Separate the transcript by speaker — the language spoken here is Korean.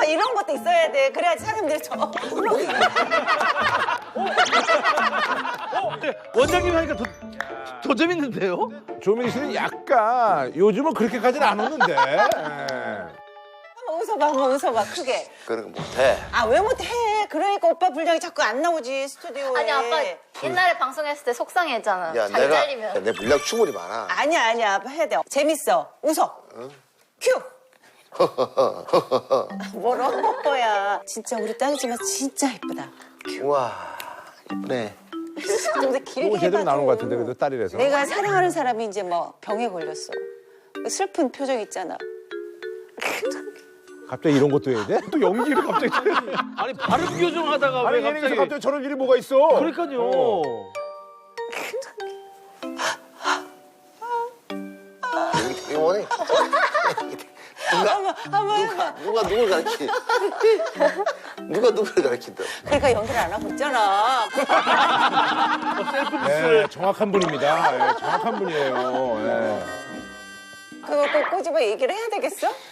Speaker 1: 이런 것도 있어야 돼. 그래야지 사람들이
Speaker 2: 원장님 하니까 더 재밌는데요?
Speaker 3: 조민희 씨는 약간 요즘은 그렇게까지는 안 웃는데.
Speaker 1: 한번 웃어봐 크게.
Speaker 4: 그런 거 못해.
Speaker 1: 아 왜 못해? 그러니까 오빠 분량이 자꾸 안 나오지 스튜디오에.
Speaker 5: 아니 아빠 옛날에 방송했을 때 속상했잖아.
Speaker 4: 야,
Speaker 5: 자기 잘리면.
Speaker 4: 야, 내 분량 충분히 많아.
Speaker 1: 아니야 아빠 해야 돼. 재밌어. 웃어. 큐. 뭐라는 거야. 진짜 우리 딸이지만 진짜 예쁘다.
Speaker 4: 우와, 이쁘네.
Speaker 1: 근데 길게
Speaker 3: 이거 제대로
Speaker 1: 해봐도
Speaker 3: 나오는 것 같은데 그래도 딸이라서.
Speaker 1: 내가 사랑하는 사람이 이제 뭐 병에 걸렸어. 슬픈 표정 있잖아.
Speaker 3: 갑자기 이런 것도 해야 돼? 또 연기를 갑자기.
Speaker 2: 아니 발음 교정하다가
Speaker 3: 아니
Speaker 2: 왜
Speaker 3: 예능에서
Speaker 2: 갑자기?
Speaker 3: 갑자기 저런 일이 뭐가 있어?
Speaker 2: 그러니까요.
Speaker 4: 이거네.
Speaker 1: 한번 해봐.
Speaker 4: 누가 누굴 가르치? 누가 누굴 가르친다?
Speaker 1: 그러니까 연기를 안 하고 있잖아.
Speaker 3: 네, 정확한 분입니다. 네, 정확한 분이에요. 네.
Speaker 1: 그걸 꼭 꼬집어 얘기를 해야 되겠어?